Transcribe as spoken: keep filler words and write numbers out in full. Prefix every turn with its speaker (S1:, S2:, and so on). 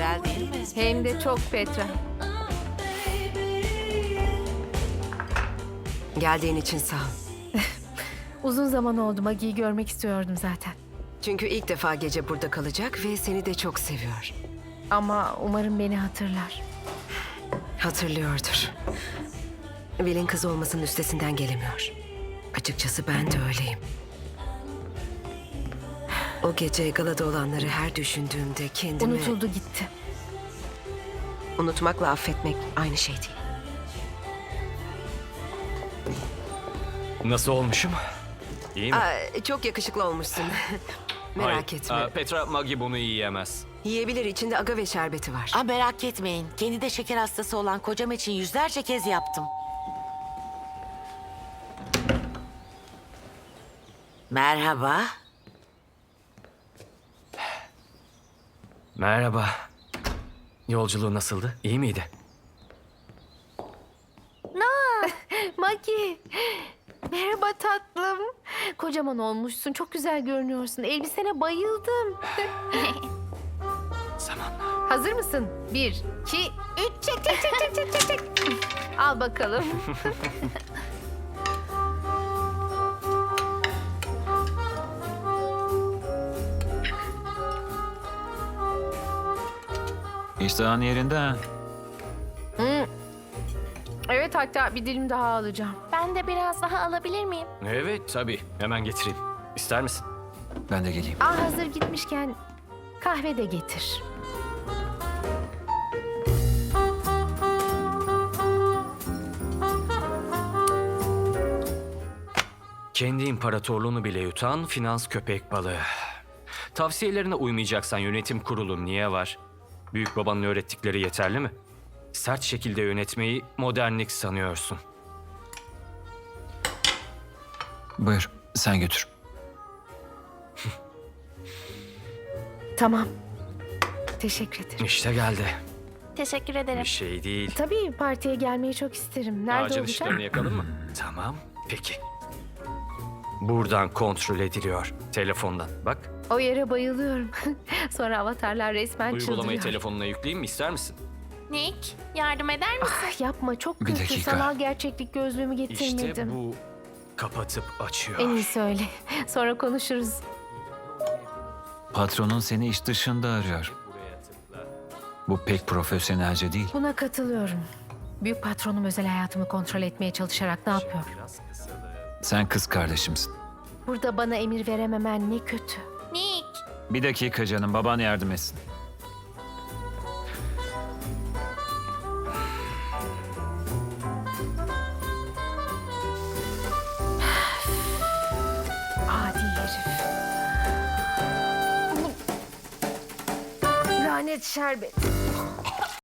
S1: güzel değil mi?
S2: Hem de çok Petra.
S3: Geldiğin için sağ ol.
S2: Uzun zaman oldu, Maggie'yi görmek istiyordum zaten.
S3: Çünkü ilk defa gece burada kalacak ve seni de çok seviyor.
S2: Ama umarım beni hatırlar.
S3: Hatırlıyordur. Will'in kız olmasının üstesinden gelemiyor. Açıkçası ben de öyleyim. O gece galada olanları her düşündüğümde kendimi...
S2: Unutuldu gitti.
S3: Unutmakla affetmek aynı şey değil.
S4: Nasıl olmuşum? İyi mi?
S3: Aa, çok yakışıklı olmuşsun. Merak
S4: Hayır.
S3: etme.
S4: Aa, Petra, Maggie bunu yiyemez.
S3: Yiyebilir, içinde agave şerbeti var.
S1: Aa, merak etmeyin. Kendi de şeker hastası olan kocam için yüzlerce kez yaptım. Merhaba.
S4: Merhaba. Yolculuğu nasıldı? İyi miydi?
S2: Maggie! Merhaba tatlım. Kocaman olmuşsun, çok güzel görünüyorsun. Elbisene bayıldım.
S4: Zamanla.
S2: Hazır mısın? Bir, iki, üç, çek çek çek çek çek çek çek. Al bakalım.
S5: İştahın yerinde ha.
S2: Hmm. Evet, hatta bir dilim daha alacağım.
S6: Ben de biraz daha alabilir miyim?
S4: Evet, tabii. Hemen getireyim. İster misin?
S5: Ben de geleyim.
S2: Aa, hazır gitmişken kahve de getir.
S4: Kendi imparatorluğunu bile yutan finans köpek balığı. Tavsiyelerine uymayacaksan yönetim kurulu niye var? Büyük babanın öğrettikleri yeterli mi? Sert şekilde yönetmeyi modernlik sanıyorsun.
S5: Buyur, sen götür.
S2: Tamam. Teşekkür ederim.
S4: İşte geldi.
S6: Teşekkür ederim.
S4: Bir şey değil.
S2: Tabii partiye gelmeyi çok isterim. Nerede
S4: Ağacın
S2: olacak?
S4: ışıklarını yakalım mı? Tamam, peki. Buradan kontrol ediliyor. Telefondan. Bak,
S2: O yere bayılıyorum. Sonra avatarlar resmen
S4: uygulamayı
S2: çıldırıyor.
S4: telefonuna yükleyeyim mi? İster misin?
S6: Nick, yardım eder misin?
S2: Ah, yapma, çok
S5: Bir
S2: kötü.
S5: dakika.
S2: Sanal gerçeklik gözlüğümü getirmedim.
S4: İşte bu kapatıp açıyor.
S2: En iyisi öyle. Sonra konuşuruz.
S5: Patronun seni iş dışında arıyor. Bu pek profesyonelce değil.
S2: Buna katılıyorum. Büyük patronum özel hayatımı kontrol etmeye çalışarak ne yapıyor?
S5: Sen kız kardeşimsin.
S2: Burada bana emir verememen ne kötü.
S6: Nick,
S5: Bir dakika canım, baban yardım etsin.
S2: Adi herif. Lanet şerbet.